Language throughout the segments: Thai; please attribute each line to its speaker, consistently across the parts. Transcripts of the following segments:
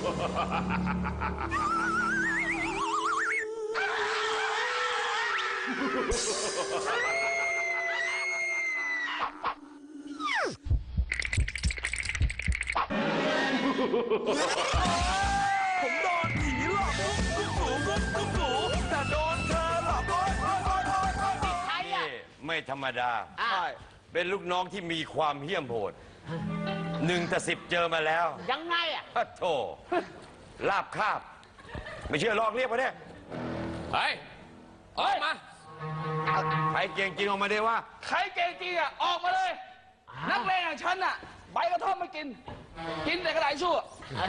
Speaker 1: ผมโดนผีหลอกกุ๊กกูแต่โดนเธอหลอกโอ๊ย
Speaker 2: ใครอ่ะ
Speaker 3: ไม่ธรรมดาเป็นลูกน้องที่มีความเหี้ยมโหด1-10เจอมาแล้ว
Speaker 2: ยังไงอ่ะ
Speaker 3: โธ่ลาบคาบไม่เชื่อลองเรียกมาเนี่ย
Speaker 1: เฮ้ยออกมา
Speaker 3: ใครเก่งจริงออกมาได้ว่า
Speaker 1: ใครเก่งจริงอ่ะออกมาเลยนักเลงอย่างฉันอ่ะใบกระท่อมไม่กินแต่กระดาษชั่ว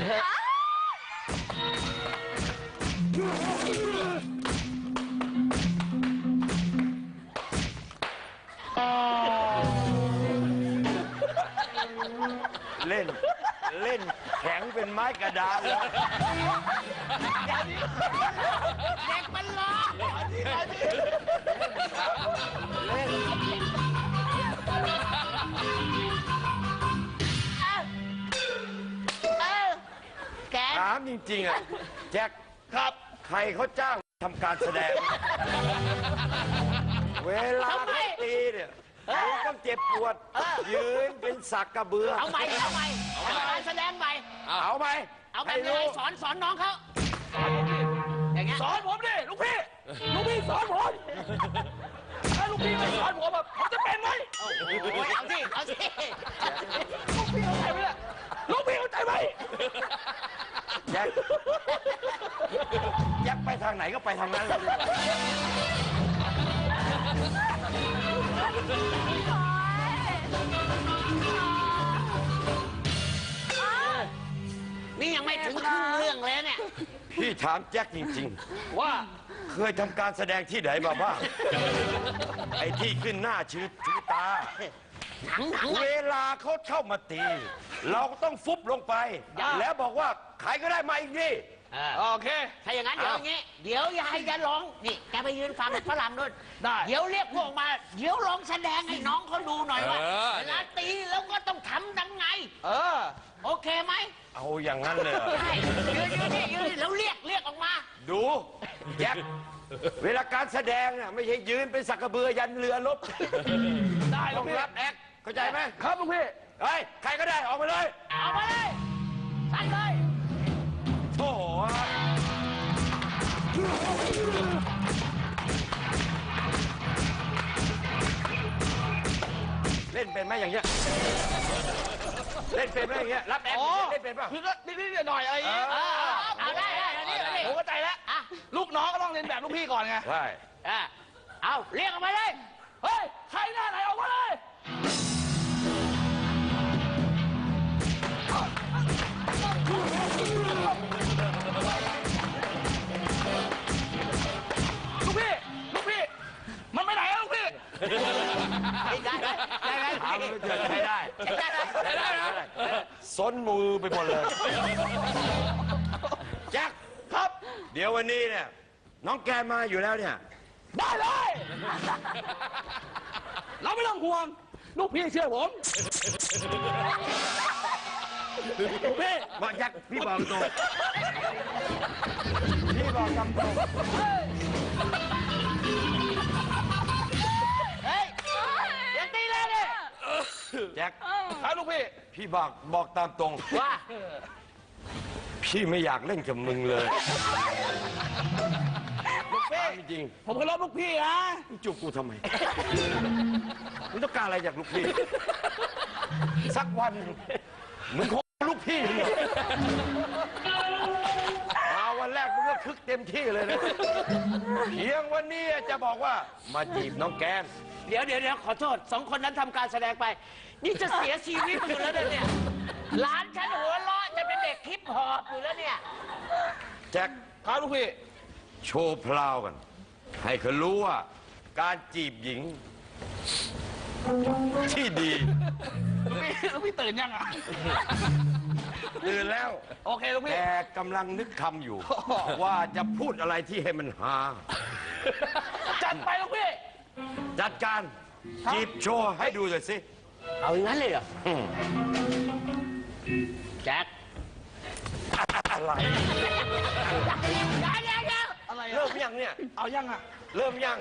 Speaker 3: เล่นแข็งเป็นไม้กระดานเลย
Speaker 2: เด็กมันร้อง
Speaker 3: เล่น
Speaker 2: แก
Speaker 3: ถามจริงๆอ่ะแจ็ค
Speaker 1: ครับ
Speaker 3: ใครเขาจ้างทำการแสดงเวลาเขาตีเนี่ยต้องเจ็บปวดยืนเป็นสักกระเบือ
Speaker 2: เอาใหม่การแสดงใหม่
Speaker 3: เอาไหม
Speaker 2: เอาแบบไหนสอนน้องเขาอย่างเงี้ย
Speaker 1: สอนผมดิลูกพี่สอนผมถ้าลูกพี่ไม่สอนผมแบบผมจะเป็นไหม
Speaker 2: เอาสิ
Speaker 1: ลูกพี่เข้าใจไหมล่ะลูกพี่เข้าใจไหม
Speaker 3: แจ็คไปทางไหนก็ไปทางนั้นเลย
Speaker 2: นี่ยังไม่ถึงครึ่งเรื่องเลยเนี่ย
Speaker 3: พี่ถามแจ็คจริงๆ
Speaker 1: ว่า
Speaker 3: เคยทำการแสดงที่ไหนมาบ้างไอ้ที่ขึ้นหน้าชื่อตาเวลาเขาเข้ามาตีเราก็ต้องฟุบลงไปแล้วบอกว่าใครก็ได้มาอีกนี่
Speaker 1: โอเค
Speaker 2: ถ้าอย่างนั้นเดี๋ยวอย่างงี้เดี๋ยวยายจะร้องนี่แกไปยืนฟังฝรั่งด้วย
Speaker 1: ได้
Speaker 2: เดี๋ยวเรียกพวกมาเดี๋ยวร้องแสดงให้น้องเขาดูหน่อยว่าเวลาตีแล้วก็ต้องทำยังไงโอเคไหม
Speaker 3: เอาอย่างนั้นเลย
Speaker 2: ใช่ยืนแล้วเรียกออกมา
Speaker 3: ดูแจ็คเวลาการแสดงน่ะไม่ใช่ยืนเป็นสักกระเบือยันเรือรบ
Speaker 1: ได้
Speaker 3: ต้องรับแอคเข้าใจไหม
Speaker 1: ครับลุงพี่
Speaker 3: เฮ้ยใครก็ได้ออกมาเลย
Speaker 2: เอามาเลยใส่เลย
Speaker 3: โถ่เล่นเป็นไหมอย่างเงี้ยเล่นเป็นไหมอย่างเงี้ยรับแอคเล่นเป็นป่ะ
Speaker 1: คือก็นิดหน่อยอะไรอย่างเงี้ย
Speaker 2: เอาได้
Speaker 1: ผมเข้าใจแล้วลูกน้องก็ต้องเรียนแบบลูกพี่ก่อนไง
Speaker 3: ใช่
Speaker 2: เอาเรียกออกมาเลย
Speaker 1: เฮ้ยใครหน้าไหนออกมาเลยลูกพี่มันไปไหนอะลูกพี่
Speaker 2: ได้
Speaker 3: ทำให้ได้ซนมือไปหมดเลยแจ็ค
Speaker 1: ครับ
Speaker 3: เดี๋ยววันนี้เนี่ยน้องแกมาอยู่แล้วเนี่ย
Speaker 1: ได้เลยเราไม่ต้องห่วงลูกพี่เชื่อผมลูกพี่
Speaker 3: บอกแจ็คพี่บอกตรงพี่บอกตรง
Speaker 2: เฮ้ยอย่าตีเลยดิ
Speaker 3: แจ็ค
Speaker 1: ครับลูก
Speaker 3: พี่บอกตามตรง
Speaker 2: ว่า
Speaker 3: พี่ไม่อยากเล่นกับมึงเลย
Speaker 1: ลูกพี่
Speaker 3: จริง
Speaker 1: ผมเคารพลูกพี่นะ
Speaker 3: มึงจูบกูทำไมมึงต้องการอะไรจากลูกพี่สักวันมึงคงลูกพี่มาวันแรกมึงก็คึกเต็มที่เลยนะเพียงวันนี้จะบอกว่ามาจีบน้องแกน
Speaker 2: เดี๋ยวขอโทษ2 คนนั้นทำการแสดงไปนี่จะเสียชีวิตอยู่แล้วเนี่ยหลานฉันหัวเราะจะเป็นเด็กฮิปฮอปอยู่แล้วเนี่ย
Speaker 3: แจ็ค
Speaker 1: ครับลูกพี่
Speaker 3: โชว์พลาวกันให้เขารู้ว่าการจีบหญิงที่ดี
Speaker 1: ลูกพี่ตื่นยังอ่ะ
Speaker 3: ตื่นแล้ว
Speaker 1: โอเคลูกพี่
Speaker 3: แต่กำลังนึกคำอยู่ว่าจะพูดอะไรที่ให้มันฮา
Speaker 1: จัดไปลูกพี่
Speaker 3: จัดการจีบโชว์ให้ดูหน่อยสิ
Speaker 2: เอาอย่างนั้นเลยเหรอแจ็ค
Speaker 3: อะไร
Speaker 4: อะไร
Speaker 3: เริ่
Speaker 4: อะ
Speaker 3: มยังเนี่ย
Speaker 4: เอายังอ่ะ
Speaker 3: เริ่มยัง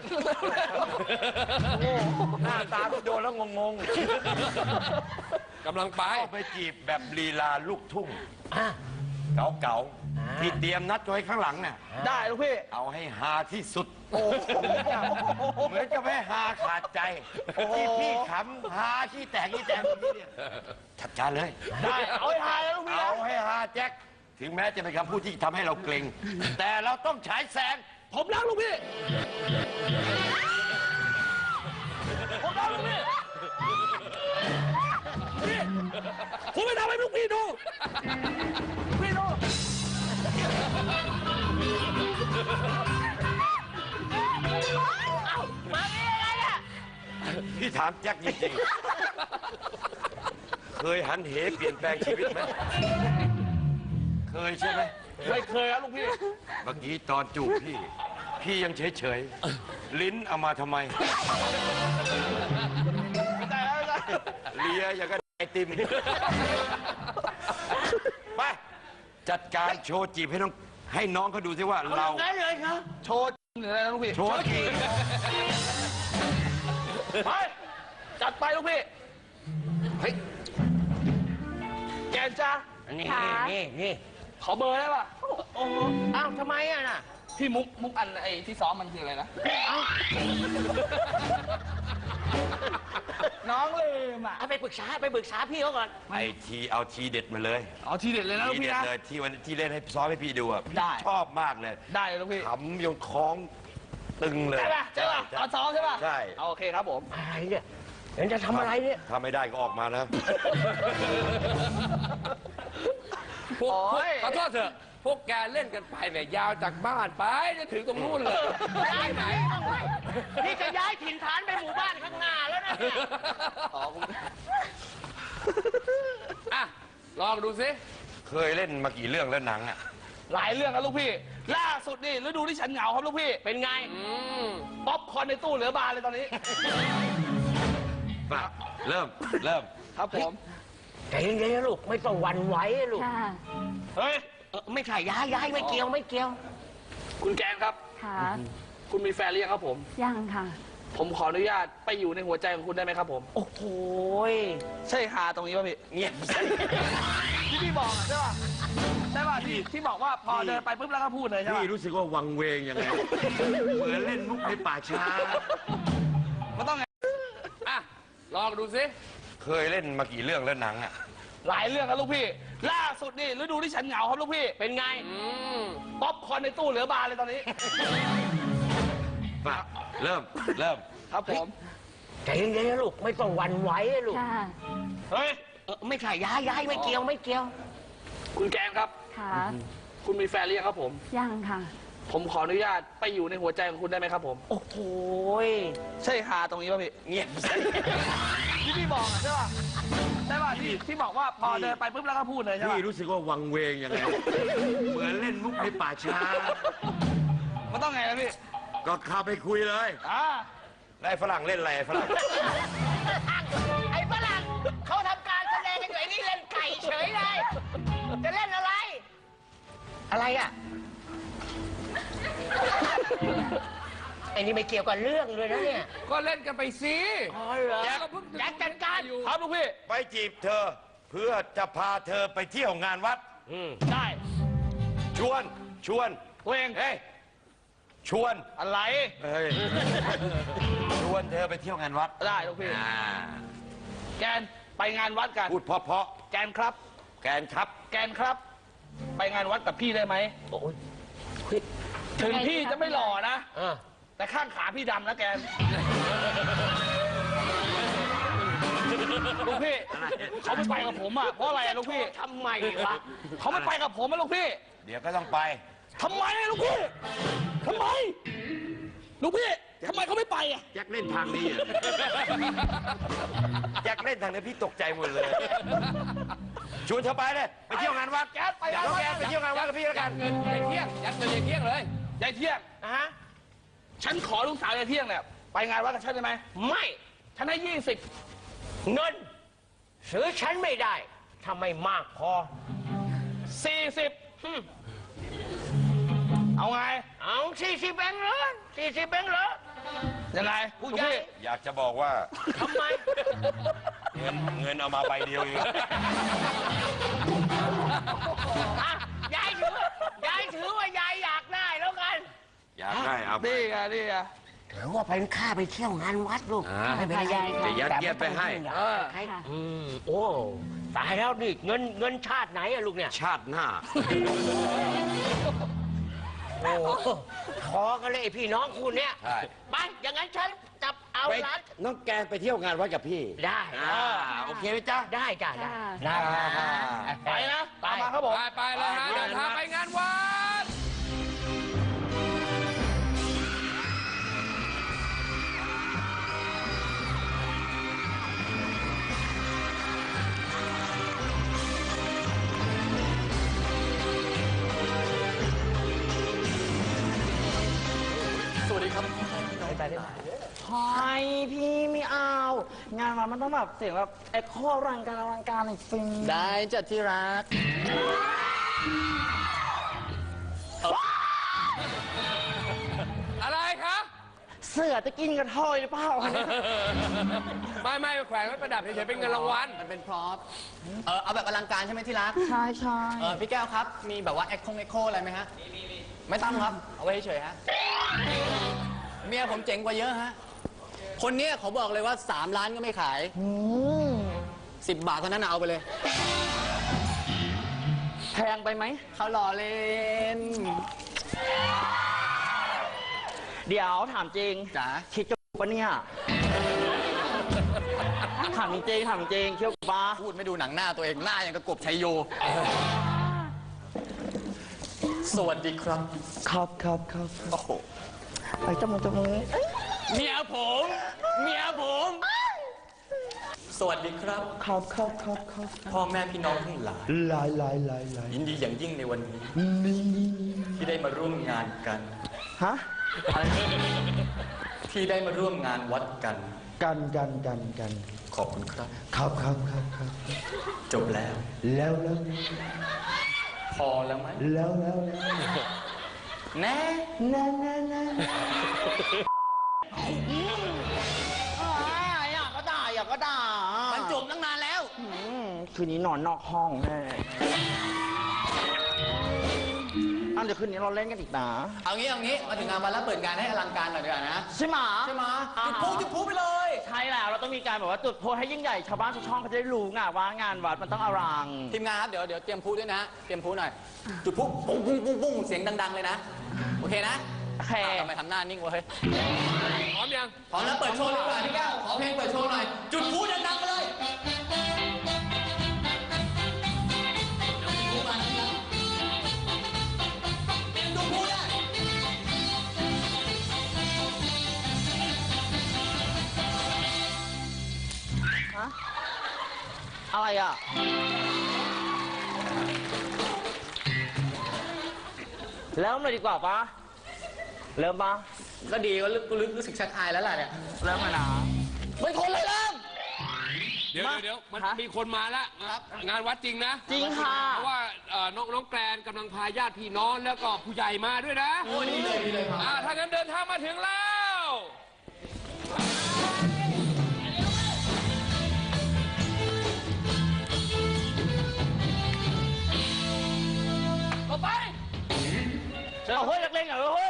Speaker 3: หน้าตาก็โดนแล้วงง
Speaker 5: กำลังไป
Speaker 3: ๆเข้าไปจีบแบบลีลาลูกทุ่งเก่าๆที่เตรียมนัดไว้ข้างหลังเนี่ย
Speaker 4: ได้ลูกพี่
Speaker 3: เอาให้ฮาที่สุดเหมือนจะไม่ฮาขาดใจที่พี่ขำฮาขี้แตกเมื่อกี้เนี่ยจัดการเลย
Speaker 4: ได้เอาให้หายแล้วลูกพี่
Speaker 3: เอาให้ฮาแจ็คถึงแม้จะเป็นคำพูดที่ทำให้เราเกรงแต่เราต้องฉายแสง
Speaker 4: ผมรักลูกพี่ ผมรักลูกพี่พี่ผมไม่ทำให้ลูกพี่ดูลูกพี่ดู
Speaker 3: พี่ถามแจ็คจริงๆ เคยหันเหเปลี่ยนแปลงชีวิตไหมเคยใช่ไหม
Speaker 4: ไม่เคยครับลูกพี่
Speaker 3: เมื่อกี้ตอนจูบพี่ยังเฉยๆ ลิ้นเอามาทำไม
Speaker 4: ไม่ได้แล้วไม่ได้
Speaker 3: เลียอย่างกับไอติม ไป จัดการโชว์จีบให้น้องเขาดูซิว่าเรา
Speaker 2: ได้เลยครับ
Speaker 4: โชว์หรืออะไรนะลูกพี่
Speaker 3: โชว์จีบ
Speaker 4: ไปจัดไปลูกพี่
Speaker 5: เฮ้ย
Speaker 4: แกนจ้า
Speaker 2: นี่
Speaker 4: ขอเบอร์ได้ป่ะ
Speaker 2: โอ้โหอ้าวทำไมอ่ะน่ะ
Speaker 4: พี่มุกอันไอ้ที่ซ้อมมันคืออะไรนะ น้องลืมอ่ะ
Speaker 2: เอาไปปรึกษาพี่เขาก่อน
Speaker 3: เอาทีเด็ดมาเลย
Speaker 4: เอาทีเด็ดเลยนะลูก
Speaker 3: ที
Speaker 4: พี่
Speaker 3: เด็ด
Speaker 4: นะ
Speaker 3: เลยที่วันที่เล่นให้ซ้อมให้พี่ดูอ่ะ
Speaker 4: ได้
Speaker 3: ชอบมากเลย
Speaker 4: ได้เลยลูกพี่
Speaker 3: ขำยงท้องตึงเลย
Speaker 4: ใช่ป่ะใช่ป่ะเอาซ้อมใช่ป่ะ
Speaker 3: ใช่
Speaker 4: เอาโอเคครับผม
Speaker 2: อะไรเนี่ยเดี๋ยวจะทำอะไรเนี่ย
Speaker 3: ถ้าไม่ได้ก็ออกมานะ
Speaker 5: พวก
Speaker 4: โอ้ย
Speaker 5: ขอโทษเถอะ พวกแกเล่นกันไปเนี่ยยาวจากบ้านไปจะถึงตรงนู้นเลย
Speaker 2: ย้ายไหนนี่จะย้ายถิ่นฐานไปหมู่บ้านข้างหน้าแล้วนะเนี่ย
Speaker 5: อ่ะ ลองดูสิ
Speaker 3: เคยเล่นมากี่เรื่องแล้วหนังอ่ะ
Speaker 4: หลายเรื่องครับลูกพี่ ล่าสุดนี่ฤดูที่ฉันเหงาครับลูกพี่
Speaker 2: เป็นไง
Speaker 4: ป๊อปคอร์นในตู้เหลือบานเลยตอนนี้
Speaker 3: มาเริ่ม
Speaker 4: ครับผม
Speaker 2: ใจเย็นๆนะลูกไม่ต้องหวั่นไหวนะลูก
Speaker 6: ค่ะ
Speaker 4: เฮ้ย
Speaker 2: ไม่ใช่ย้ายไม่เกี่ยว
Speaker 4: คุณแกนครับ
Speaker 6: ค่ะ
Speaker 4: คุณมีแฟนหรือยังครับผม
Speaker 6: ยังค่ะ
Speaker 4: ผมขออนุญาตไปอยู่ในหัวใจของคุณได้ไหมครับผม
Speaker 2: โอ้โหย
Speaker 4: ใช่ฮาตรงนี้ป่ะพี่
Speaker 3: เงียบ
Speaker 4: ที่พี่บอกอะใช่ป่ะ ใช่ป่ะที่บอกว่าพอเดินไปปุ๊บแล้วก็พูดเลยใช่ป่ะ
Speaker 3: พี่รู้สึกว่าวังเวงยังไง เหมือนเล่นมุกในป่าช้า
Speaker 4: มันต้องไง
Speaker 5: อ่ะ ลองดูสิ
Speaker 3: เคยเล่นมากี่เรื่องแล้วหนังอ่ะ
Speaker 4: หลายเรื่องครับลูกพี่ ล่าสุดนี่ฤดูที่ฉันเหงาครับลูกพี่
Speaker 2: เป็นไง
Speaker 4: ป๊อปคอร์นในตู้เหลือบานเลยตอนนี้
Speaker 3: มาเริ่ม
Speaker 4: ครับผม
Speaker 2: ใจเย็นๆนะลูกไม่ต้องหวั่นไหวนะลูก
Speaker 6: ค่ะ
Speaker 4: เฮ้ย
Speaker 2: ไม่ใช่ย้ายไม่เกี่ยว
Speaker 4: คุณแกนครับ
Speaker 6: ค่ะ
Speaker 4: คุณมีแฟนหรือยังครับผม
Speaker 6: ยังค่ะ
Speaker 4: ผมขออนุญาตไปอยู่ในหัวใจของคุณได้ไหมครับผม
Speaker 2: โอ้โหย
Speaker 4: ใช่ฮาตรงนี้ป่ะพี่
Speaker 3: เงียบ
Speaker 4: ที่พี่บอกอะใช่ป่ะ ใช่ป่ะที่บอกว่าพอเดินไปปุ๊บแล้วก็พูดเลยใช่ป่ะ
Speaker 3: พี่รู้สึกว่าวังเวงยังไง เหมือนเล่นมุกในป่าช้า
Speaker 4: มันต้องไงนะพี่
Speaker 3: ก็เข้าไปคุยเลย แล้วไอ้ฝรั่งเล่นอะไรไอ้ฝรั่ง
Speaker 2: ไอ้ฝรั่งเขาทำการแสดงกันอยู่ไอ้นี่เล่นไก่เฉยเลยจะเล่นอะไร อะไรอ่ะไอ้นี่ไม่เกี่ยวกับเรื่องเลยนะเนี่ย
Speaker 5: ก็เล่นกันไปสิ
Speaker 2: อ๋อเหรอ
Speaker 5: แจ็คก็เพิ่ง
Speaker 2: แจ็คจัดการ
Speaker 5: อยู่
Speaker 4: ครับลูกพี่
Speaker 3: ไปจีบเธอ เพื่อจะพาเธอไปเที่ยวงานวัด
Speaker 4: ได้
Speaker 3: ชวน
Speaker 4: ตัวเอง
Speaker 3: เฮ้ย ชวน
Speaker 4: อะไร
Speaker 3: เฮ้ย ชวนเธอไปเที่ยวงานวัด
Speaker 4: ได้ลูกพี่ แกนไปงานวัดกัน
Speaker 3: พูดเพราะ
Speaker 4: แกนครับ
Speaker 3: ๆแกนครับ
Speaker 4: แกนครับ ไปงานวัดกับพี่ได้ไหม
Speaker 2: โอ้ย
Speaker 4: ถึงพี่จะไม่หล่อนะ
Speaker 2: อ่ะ
Speaker 4: แต่ข้างขาพี่ดำนะแกน ลูกพี่เขาไม่ไปกับผมอ่ะ เพราะอะไรอะลูกพี่
Speaker 2: ทำไมวะ
Speaker 4: เขาไม่ไปกับผมอะลูกพี่
Speaker 3: เดี๋ยวก็ต้องไป
Speaker 4: ทำไมอะลูกพี่ทำไม ลูกพี่ทำไมเขาไม่ไปอ่ะ
Speaker 3: แจ็คเล่นทางนี้อะแจ็คเล่นทางนี้พี่ตกใจหมดเลย ชวนเธอไปเลย ไปเที่ยวงานวัด
Speaker 4: แกไปงานวัด
Speaker 3: แกไปเที่ยวงานวัดกับพี่แล้ว
Speaker 5: ยั
Speaker 3: กั
Speaker 5: ด
Speaker 3: น
Speaker 5: เงินยายเที่ยง ยัดเงินยายเที่ยงเลย
Speaker 4: ยายเที่ยง
Speaker 2: อ่ะฮะ
Speaker 4: ฉันขอลูกสาวยายเที่ยงเนี่ยไปงานวัดกับฉันได้ไหม
Speaker 2: ไม่
Speaker 4: ฉันให้20
Speaker 2: เงินซื้อฉันไม่ได้ทำไมมากพอ
Speaker 4: 40 เอาไง
Speaker 2: เอา40 แบงค์เหรอ40 แบงค์เหรอ
Speaker 4: ยังไง
Speaker 2: ผู้ใหญ่
Speaker 3: อยากจะบอกว่า
Speaker 2: ทำไม
Speaker 3: เงินเอามาใบเดียวเอง
Speaker 2: อ่ะยายถือว่ายายอยากได้แล้วกัน
Speaker 3: อยากได้เอาไป
Speaker 4: นี่ไงนี่ไง
Speaker 2: ถือว่าเป็นค่าไปเที่ยวงานวัดลูกไม่เป็นไร
Speaker 3: จะยัดเยียดไปให้
Speaker 2: โอ้ตายแล้วนี่เงินชาติไหนอะลูกเนี่ย
Speaker 3: ชาติหน้า
Speaker 2: โอ้ขอกันเลยไอ้พี่น้องคุณเนี่ย
Speaker 3: ใช่
Speaker 2: ไปอย่างนั้นฉันจับเอา
Speaker 3: ไป
Speaker 2: ร้าน
Speaker 3: น้องแกนไปเที่ยวงานวัดกับพี่
Speaker 2: ได้
Speaker 3: โอเคไหมจ๊ะ
Speaker 2: ได้จ้ะได้
Speaker 4: ไปนะตามมาครับผม
Speaker 5: ไปเลยฮะเดินทางไปงานวัด
Speaker 6: สวัสดีครับ
Speaker 4: ไฮพี่ไม่เอา งานมันต้องแบบเสียงแบบเอ็กโคอลังการหน่อยสิ
Speaker 6: ได้จัดที่รัก
Speaker 5: อะไรคะ
Speaker 4: เสือจะกินกระเทยหรือเปล่า
Speaker 5: ไม่แขวนไว้ประดับเฉยๆเป็นเงินรางวัล
Speaker 6: มันเป็นพร็อพเอาแบบอลังการใช่ไหมที่รัก
Speaker 4: ใช่ใช่
Speaker 6: พี่แก้วครับ มีแบบว่าเอ็กโคอะไรไหมฮะ ไม่ต้องครับ เอาไว้เฉยๆฮะ เมียผมเจ๋งกว่าเยอะฮะ คนเนี้ยเขาบอกเลยว่า 3 ล้านก็ไม่ขาย 10 บาทเท่านั้นนะเอาไปเลย
Speaker 4: แพงไปไหม
Speaker 6: เขาหล่อเล่น
Speaker 4: เดี๋ยวถามจริง
Speaker 6: จ๋า
Speaker 4: คิดจะปะเนี่ยถามจริงเที่ยวปะ
Speaker 6: พูดไม่ดูหนังหน้าตัวเองหน้าอย่างกระกบชัยโย สวัสดีครับ
Speaker 4: ครับ
Speaker 6: โอ้โห
Speaker 4: ไปจับมือ
Speaker 5: เมียผม
Speaker 6: สวัสดีครับ
Speaker 4: ครับ
Speaker 6: พ่อแม่พี่น้องทั้งหลาย
Speaker 4: ลาย
Speaker 6: ยินดีอย่างยิ่งในวันนี้ ที่ได้มาร่วมงานกัน
Speaker 4: ฮะ
Speaker 6: ที่ได้มาร่วมงานวัดกัน
Speaker 4: กัน
Speaker 6: ขอบคุณครับ
Speaker 4: ครับ
Speaker 6: จบแล้ว
Speaker 4: แล้ว
Speaker 6: พอแล้วไหม แน่
Speaker 4: อยากก็ด่า
Speaker 6: มันจบตั้งนานแล้ว
Speaker 4: คืนนี้นอนนอกห้องแน่เดี๋ยวคืนนี้เราเล่นกันอีกนะ
Speaker 6: เอางี้มาถึงงานวันแล้วเปิดงานให้อลังการหน่อยดีกว่านะ
Speaker 4: ใช่ไหม
Speaker 6: ใช่ไหมจุดพลุไปเลย
Speaker 4: ใช่แล้วเราต้องมีการแบบว่าจุดโพให้ยิ่งใหญ่ชาวบ้านชาวช่องเขาจะได้รู้ไงว่างานวัดมันต้องอลัง
Speaker 6: ทีมงานครับเดี๋ยวเตรียมพลุด้วยนะ เตรียมพลุหน่อย จุดพลุปุ้งเสียงดังๆเลยนะ โอเคนะ
Speaker 4: โอเค
Speaker 6: ทำไมทำหน้านิ่งวะเฮ้ย
Speaker 5: พร้อมยัง
Speaker 6: พร้อมแล้วเปิดโชว์เลยดีกว่าพี่แก้วขอเพลงเปิดโชว์หน่อย จุดพลุดังๆไปเลยจุดพลุมานะครับจุดพลุได้
Speaker 4: อะไรอ่ะ เริ่มเลยดีกว่าปะเริ่มปะ
Speaker 6: ก็ดีก็รู้สึกชักอายแล้วล่ะเนี่ย
Speaker 4: เริ่มมานะ
Speaker 6: ไม่ทนเลยเริ่ม
Speaker 5: เดี๋ยวมัน
Speaker 4: ฮะ
Speaker 5: มีคนมาแล้วงานวัดจริงนะ
Speaker 4: จริงค่ะ
Speaker 5: เพราะว่าน้องแกรนกำลังพาญาติพี่น้องแล้วก็ผู้ใหญ่มาด้วยนะ
Speaker 6: โอ้ดีเลยครับ
Speaker 5: ถ้างั้นเดินทางมาถึงแล้วก็ไป
Speaker 4: เอาเฮ้ยเล่นๆหน่อยเฮ้ย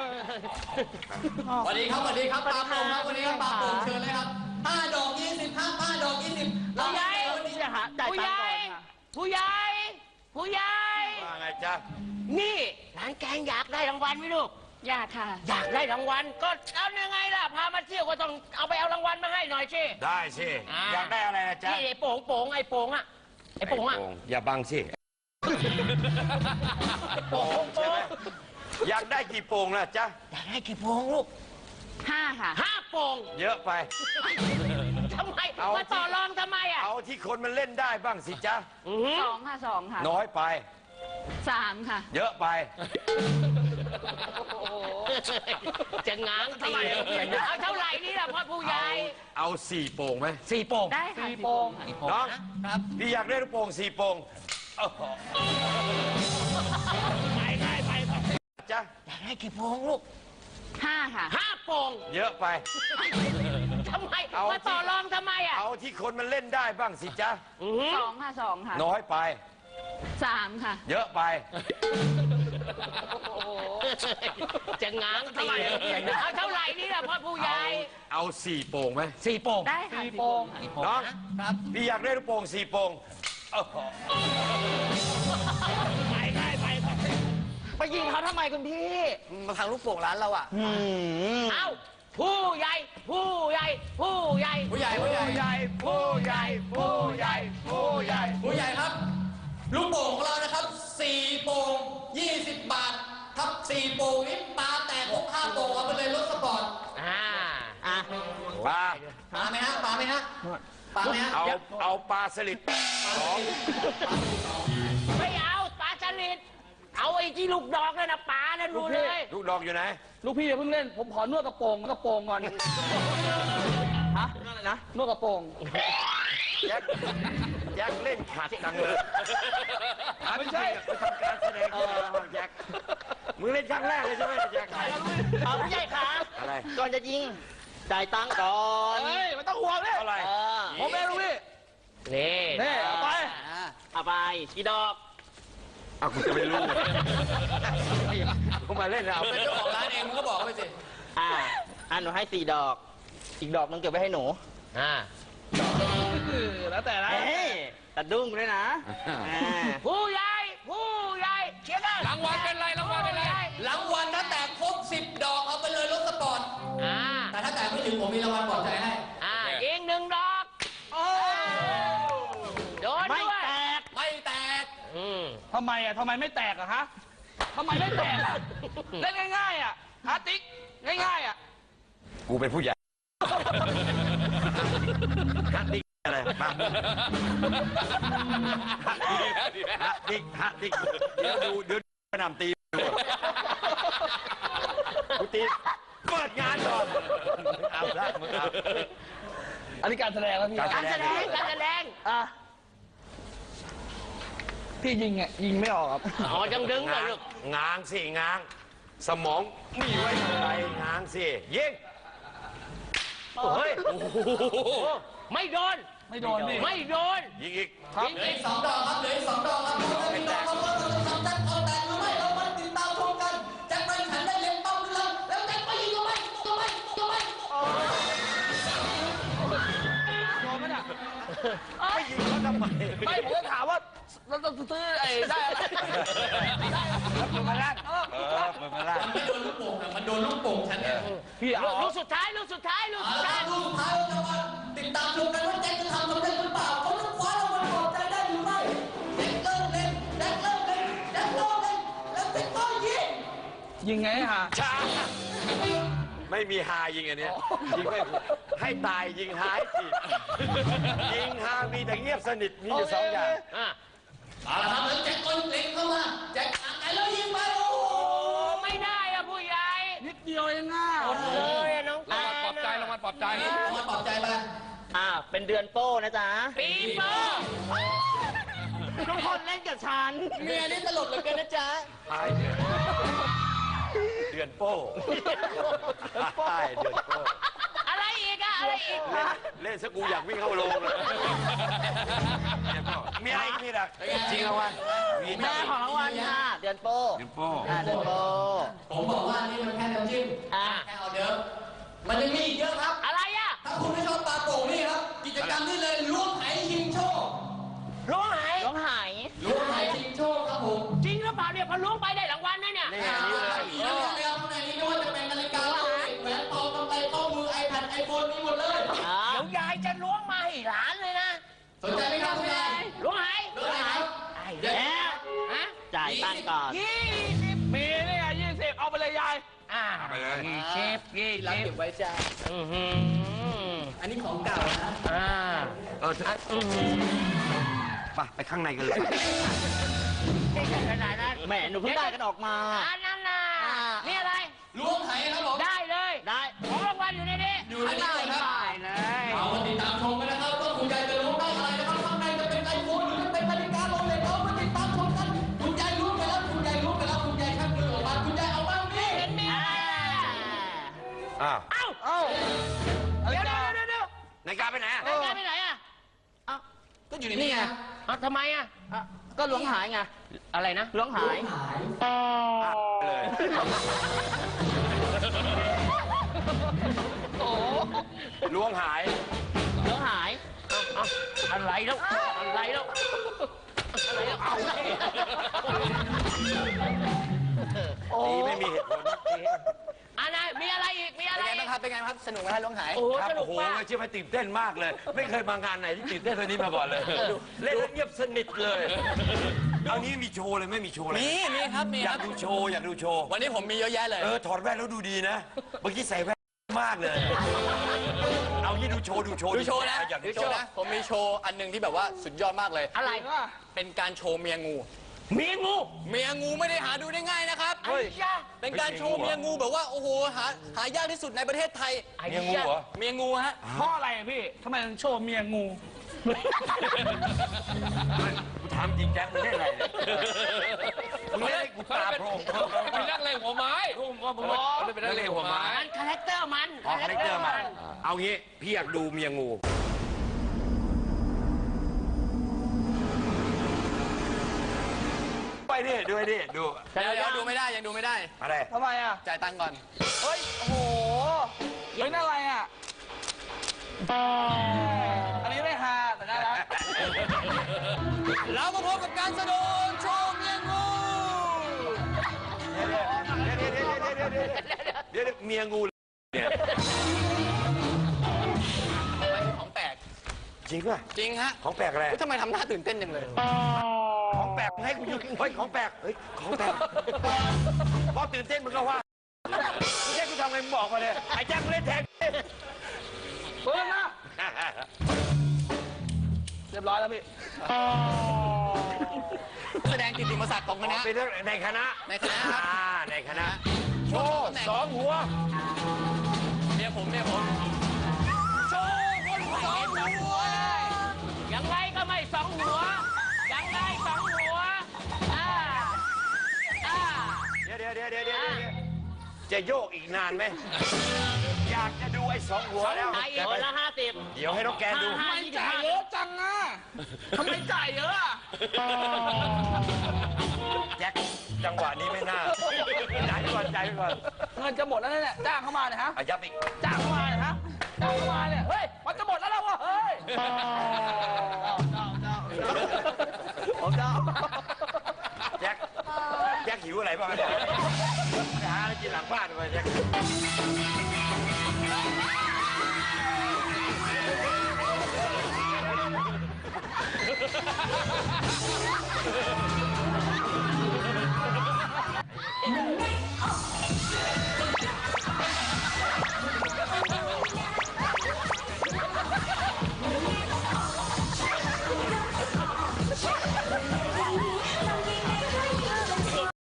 Speaker 6: สวัสดีครับปลาโป่งครับวันนี้ครับปลาโป่งเชิญเลยครับ5 ดอก 20ครับ5 ดอก 20
Speaker 2: ผู้ใหญ่
Speaker 6: วันนี้
Speaker 4: จะหาจ่ายตังค์ก่อนค่ะ
Speaker 2: ผู้ใหญ่
Speaker 3: ว่าไงจ๊ะ
Speaker 2: นี่ร้านแกงอยากได้รางวัลไหมลูก
Speaker 7: อยากค่ะ
Speaker 2: อยากได้รางวัลก็เอายังไงล่ะ พามาเที่ยวก็ต้องเอาไปเอารางวัลมาให้หน่อยสิ
Speaker 3: ได้สิ อยากได้อะไรนะจ๊ะ
Speaker 2: นี่ไอ้โป่งอะไอ้โป่งอะ
Speaker 3: อย่าบังสิ
Speaker 2: โป่ง
Speaker 3: ใช่ไหมอยากได้กี่โป่งนะจ๊ะ
Speaker 2: อยากได้กี่โป่งลูก
Speaker 7: 5 ค่ะ
Speaker 2: 5 โป่ง
Speaker 3: เยอะไป
Speaker 2: ทำไม
Speaker 3: เอา
Speaker 2: มาต่อรองทำไมอะ
Speaker 3: เอาที่คนมันเล่นได้บ้างสิจ๊ะ
Speaker 2: อื้อหือ
Speaker 7: 2 ค่ะ 2 ค่ะ
Speaker 3: น้อยไป
Speaker 7: 3 ค่ะ
Speaker 3: เยอะไป
Speaker 2: จะง้างตีเอาเท่าไหร่นี่ล่ะพ่อผู้ใหญ่
Speaker 3: เอา4 โป่งไหม
Speaker 2: 4 โป่ง
Speaker 7: ได้ค่ะ
Speaker 4: 4 โป่ง
Speaker 3: น้องพี่อยากได้ลูกโป่ง4 โป่งโอ้โห
Speaker 2: ไป
Speaker 3: จ๊ะ
Speaker 2: อยากได้กี่โป่งลูก
Speaker 7: 5 ค่ะ
Speaker 2: 5 โป่ง
Speaker 3: เยอะไป
Speaker 2: ทำไม
Speaker 3: เอา
Speaker 2: มาต่อรองทำไมอ่ะ
Speaker 3: เอาที่คนมันเล่นได้บ้างสิจ๊ะ
Speaker 7: 2 ค่ะ 2 ค่ะ
Speaker 3: น้อยไป
Speaker 7: 3 ค่ะ
Speaker 3: เยอะไป
Speaker 2: จะง้างตีเอาเท่าไหร่นี่ล่ะพ่อผู้ใหญ่
Speaker 3: เอา4 โป่งไหม
Speaker 2: 4 โป่ง
Speaker 7: ได้ค่ะ4 โป่ง
Speaker 3: น้องพี่อยากได้ลูกโป่ง4 โป่งโอ้โห
Speaker 4: ไปยิงเขาทำไมคุณพี่
Speaker 6: มาทางลูกโป่งร้านเราอ่ะ
Speaker 2: เอาผู้ใหญ่ ผู้ใหญ่ ผู้ใหญ่
Speaker 6: ผู้ใหญ่ผู้ใหญ่
Speaker 3: ผู้ใหญ่ผู้ใหญ่ผู้ใหญ่ผู้ใหญ่
Speaker 6: ผู้ใหญ่ครับ ลูกโป่งของเรานะครับ4 โป่ง20 บาทครับ4 โป่งนี้ปลาแตกครบ5 โป่งเอาไปเลยรถสปอร์ต
Speaker 3: ปลา
Speaker 6: ปลาไหมฮะปลาไหมฮะปลาไหมฮะ
Speaker 3: เอาปลาสลิด
Speaker 2: ไม่เอาปลาสลิดเอาไอ้ที่ลูกดอกนั่นนะปลานั่นดูเลย
Speaker 3: ลูกดอกอยู่ไหน
Speaker 4: ลูกพี่อย่าเพิ่งเล่น ผมขอนวดกระโปรงก่อน ฮะนั่นอะไรนะ นวดกระโปรง
Speaker 3: แจ็คเล่นขัดจังเลย
Speaker 4: ไม่ใช่
Speaker 3: ไปทำการแสดงที่ไหนมาแจ็คมึงเล่นครั้งแรกเลยใช่ไหมแจ็ค
Speaker 4: เอาพี่ใหญ่ครับ
Speaker 3: อะไร
Speaker 4: ก่อนจะยิง จ่ายตังค์ก่อน เฮ้ยไม่ต้องห่วงเลย
Speaker 3: เท่าไหร่
Speaker 4: ผมเองลูกพี่
Speaker 2: นี่
Speaker 4: นี่เอาไป เอาไปกี่ดอก
Speaker 3: เอากูจะไม่รู้กูมาเล่นเอา
Speaker 6: เป็นเจ้าของร้านเองมึงก็บอกเขาไปสิ
Speaker 4: หนูให้4 ดอก อีกดอกนึงเก็บไว้ให้หนู แล้วแต่นะตัดดุ้งด้วยนะ
Speaker 2: ผู้ใหญ่ ผู้ใหญ่เชียร์กัน
Speaker 5: รางวัลเป็นไรรางวัลเป็นไร
Speaker 6: รางวัลถ้าแตกครบ10 ดอกเอาไปเลยรถสปอร์ต แต่ถ้าแตกไม่ถึงผมมีรางวัลปลอบใจให้
Speaker 2: ยิง1 ดอกโดน
Speaker 4: ไม่
Speaker 2: ด้วย
Speaker 4: แตก
Speaker 6: ไม่แตก
Speaker 4: ทำไมไม่แตกอะฮะทำไมไม่แตกอะเล่นง่ายๆอะฮะติ๊กง่ายๆอะ
Speaker 3: กูเป็นผู้ใหญ่ฮัตดิกอะไรมาฮัตดิกเดี๋ยวกระหน่ำตีกูตีเปิดงานก่อนเอาละมึงเอา
Speaker 4: อันนี้การแสดงแล้วพี่
Speaker 2: การแสดงการแสดง
Speaker 4: พี่ยิงยิงไม่ออกครับ
Speaker 2: อ๋อจังดึงเลยลูก
Speaker 3: ง้างสิง้าง สมองมีไว้ทำไรง้างสิยิงเฮ้ย
Speaker 2: ไม่โดน
Speaker 4: ไม่โดนพี่
Speaker 2: ไม่โดน
Speaker 3: ยิงอีก
Speaker 2: ยิง
Speaker 6: เหลือ
Speaker 2: อี
Speaker 6: อี
Speaker 2: ก
Speaker 6: ก2 ดอกครับเหลืออีก2 ดอกครับพี่น้องครับว่าเราจะทำแจ็คเอาแตกหรือไม่เรามาติดตามชมกันแจ็คไปขันได้เล็งเป้าด้วยแล้วแล้วแจ็คไปยิงก็ไม่ก็ไม่ก็ไม่
Speaker 4: โดนไหมเนี่ย
Speaker 3: ไม่ยิงเขาทำไม
Speaker 4: ไม่ผมจะถามว่าเราจะซื้อไอ้ได้อะไรได้อะไรมาแรก
Speaker 3: มือมาล่า
Speaker 6: มันไม่โดนลูกโป่งอะมันโดนลูกโป่งฉันเนี่ย
Speaker 4: พี่เอา
Speaker 2: ลูกสุดท้ายลูกสุดท้ายลูก
Speaker 6: เอา
Speaker 2: สุด
Speaker 6: ละ
Speaker 2: ท้าย
Speaker 6: ลูกสุดท้ายเราจะมาติดตามชมกันว่าแจ็คจะทำสำเร็จหรือเปล่าเขาจะคว้ารางวัลปลอบใจได้หรือไม่แจ็คเริ่มเล่นแจ็คเริ่มเล่นแจ็คเริ่มเล่นแล้วแจ็คก็ยิง
Speaker 4: ยิงไงฮะ
Speaker 3: ช้าไม่มีฮายิงอันเนี้ยยิงไม่ให้ตายยิงหายสิยิงฮามีแต่เงียบสนิทมีอยู่2 อย่าง
Speaker 6: เอาละครับแล้วแจ็คก็เล็งเข้ามาแจ็คอ่างไกลแล้วยิงไปโอ้โห
Speaker 2: ไม่ได้อะผู้ใหญ่
Speaker 4: นิดเดียวเองอ่ะ
Speaker 2: หมดเลยอะน้อง
Speaker 5: รางวัลปลอบใจรางวัลปลอบใจ
Speaker 6: เอามาปลอบใจไป
Speaker 4: เป็นเดือนโป้นะจ๊ะ
Speaker 2: ปีโป้
Speaker 4: ทุกคนเล่นกับฉัน
Speaker 6: เมียนี่ตลกเหลือเกินนะจ๊ะ
Speaker 3: ตายเดือนโป้ตายเดือนโป้
Speaker 2: อะไรอีกอะอะไรอีก
Speaker 3: เล่นสกูอยากวิ่งเข้าโรงเลยมีอะไรอีกมีดักจริงรางวัลมี
Speaker 4: แม่ของรางวัลค่ะ เดือนโป้
Speaker 3: เดือนโป้
Speaker 4: เดือนโป้
Speaker 6: ผมบอกว่านี่มันแค่น้ำจิ้มแค่เอาเดิมมันยังมีอีกเยอะครับ
Speaker 2: อะไรอะ
Speaker 6: ถ้าคุณไม่ชอบปลาโป่งนี่ครับ กิจกรรมนี่เลยล้วงไหชิงโชค
Speaker 2: ล้วงไห
Speaker 4: ร้องหาย
Speaker 6: ล้วงไหชิงโชคครับผม
Speaker 2: จริงหรือเปล่าเนี่ยพอล้วงไปได้รางวัลนะเนี่ย
Speaker 3: นี่อันนี้เลย
Speaker 6: มีเยอะเลยครับในนี้ไม่ว่าจะเป็นนาฬิกาแหวนทองกำไรข้อมือไอแพดไอโฟนมีหมดเลย
Speaker 2: เดี๋ยวยายจะล้วงมาให้หลานเลยนะ
Speaker 6: สนใจไหมครับคุณยาย
Speaker 2: ล้วงไห
Speaker 6: ล้วงไหครับ
Speaker 2: เดี๋ยวฮะ
Speaker 4: จ่ายตังค์ก่อน
Speaker 2: 20
Speaker 4: มีนี่ไง20 เอาไปเลยยาย
Speaker 3: ไปเลย
Speaker 2: 20
Speaker 6: รับเก็บไว้จ้า
Speaker 2: อื้อหือ
Speaker 6: อันนี้ของเก่านะ
Speaker 3: ไปข้างในกันเลย
Speaker 2: ขนาดนั้น
Speaker 4: แหมหนูเพิ่งได้กันออกมา
Speaker 2: อันนั้นน่ะนี่อะไร
Speaker 6: ล้วงไหครับผม
Speaker 2: ได้เลย
Speaker 4: ได้
Speaker 2: ของรางวัลอยู่ในนี้
Speaker 6: อยู่ในนี้ครับ
Speaker 2: ได้เลย
Speaker 6: เอามาติดตามชมกันนะครับว่าคุณยายจะล้วงได้อะไรนะครับข้างในจะเป็นไอโฟนหรือจะเป็นนาฬิกาโรเล็กเอามาติดตามชมกันคุณยายล้วงไปแล้วคุณยายล้วง
Speaker 3: นาฬิกาไปไหนอะ
Speaker 2: นาฬิกาไปไหนอ่ะ
Speaker 6: ก็อยู่ในนี่ไง
Speaker 2: อ้าวทำไมอ่ะ
Speaker 4: ก็หลวงหายไง
Speaker 2: อะไรนะ
Speaker 4: หลวงหาย
Speaker 3: เลย
Speaker 2: โอ้
Speaker 3: ล้วงหาย
Speaker 2: หลวงหายเอาอะไรแล้วอะไรแล้วอะไรแล้วเอาโอ้
Speaker 3: ดีไม่มีเหตุผล
Speaker 2: อันไหนมีอะไรอีกมีอะไร
Speaker 6: เป็นไง
Speaker 2: อี
Speaker 6: บ้าก งครับ เป็นไงบ้างครับ สนุกไหมฮะล้วงหาย
Speaker 2: โอ้โห
Speaker 3: ครับ
Speaker 2: สนุ
Speaker 3: โอ้
Speaker 2: ก
Speaker 3: โห
Speaker 2: มาก
Speaker 3: เชื่อไหมตื่นเต้นมากเลย ไม่เคยมางานไหนที่ตื่นเต้นเท่านี้มาก่อนเลย เล่นแล้วเงียบสนิทเลยเอานี้มีโชว์เลยไม่มีโชว์เลย
Speaker 6: มีครับ มี
Speaker 3: อ
Speaker 6: ค
Speaker 3: ยา
Speaker 6: รั
Speaker 3: ก
Speaker 6: บ
Speaker 3: ดูโชว์อยากดูโชว์
Speaker 6: วันนี้ผมมีเยอะแยะเลย
Speaker 3: ถอดแว่นแล้วดูดีนะ เมื่อกี้ใส่แว่นมากเลย เอางี้ดูโชว์
Speaker 6: ดูโชว์นะ
Speaker 3: อยากดู
Speaker 6: ดู
Speaker 3: โช
Speaker 6: โช
Speaker 3: ว์
Speaker 6: ว์นะ ผมมีโชว์อันหนึ่งที่แบบว่าสุดยอดมากเลย
Speaker 2: อะไร
Speaker 6: เป็นการโชว์เมียงู
Speaker 2: มีงู
Speaker 6: เมียงูไม่ได้หาดูได้ง่ายนะครับ
Speaker 2: ไอ้ยา
Speaker 6: เป็นการโชว์เมียงูแบบว่า โอ้โห หายากที่สุดในประเทศไทย
Speaker 2: ไอ้
Speaker 3: เมียงูเหรอ
Speaker 6: เมียงูฮะ
Speaker 4: เพราะอะไรอะพี่ทำไมถึงโชว์เมียงู
Speaker 3: กูถามจริงแจ๊คมึงเล่นอะไรเนี่ยมึงเล่นให้กูตาโพรง
Speaker 5: เป็นนักเลงหัวไม้
Speaker 3: มึงเป็นนักเลงหัวไม้
Speaker 2: มันคาแรคเตอร์มัน
Speaker 3: อ๋อคาแรคเตอร์มาเอางี้พี่อยากดูเมียงู ไปดิดูไปดิดู
Speaker 6: เดี๋ยวดูไม่ได้ยังดูไม่ได้
Speaker 3: อะไร
Speaker 4: ทำไมอ่ะ
Speaker 6: จ่ายตังค์ก่อน
Speaker 4: เฮ้ย โอ้โหเฮ้ยนั่นอะไรอ่ะ อันนี้ไม่ฮาแต่น่ารัก
Speaker 6: เรามาพบกับการแสดงโชว์เมียงู
Speaker 3: เดี๋ยวเมียงูเนี่ย
Speaker 6: มันคือของแปลก
Speaker 3: จริงป่ะ
Speaker 6: จริงฮะ
Speaker 3: ของแปลกอะไร
Speaker 6: เฮ้ยทำไมทำหน้าตื่นเต้นจังเลย
Speaker 3: ของแปลกให้กูอยู่เฮ้ยของแปลกเฮ้ยของแปลกพอตื่นเต้นมึงก็ว่ามึงแค่กูทำไงมึงบอกมาเลยไอ้แจ๊คกูเล่นแทง
Speaker 4: เปิดมาเรียบร้อยแล้วพี่
Speaker 6: แสดงกิตติมศักดิ์ของคณะ
Speaker 3: เป็นในคณะ
Speaker 6: ในคณะครับ
Speaker 3: ในคณะโชว์สองหัว
Speaker 6: เมียผมโชว์คนสองหัว
Speaker 2: ยังไงก็ไม่สองหัว ยังไงสองหัวอ่า
Speaker 3: เดี๋ยวจะโยกอีกนานไหมอยากจะดูไอ้สองหัวแล้ว
Speaker 2: ไอ้หัวละ50
Speaker 3: เดี๋ยวให้น้องแกนดู
Speaker 2: ห้า
Speaker 4: ไม่จ่ายเยอะจังอ่ะทำไมจ่ายเยอะอ่ะ
Speaker 3: แจ็คจังหวะนี้ไม่น่าจ่ายไปก่อนจ่ายไปก่อน
Speaker 4: เงินจะหมดแล้วเนี่ยจ้างเข้ามาเนี่ยฮะ
Speaker 3: อายับอีก
Speaker 4: จ้างเข้ามาเนี่ยฮะจ้างเข้ามาเนี่ย เฮ้ย มันจะหมดแล้ววะเฮ้ยผมเจ้า
Speaker 3: แจ็คหิวอะไรบ้างเนี่ยไปหาอะไรกินหลังบ้านไปแจ็ค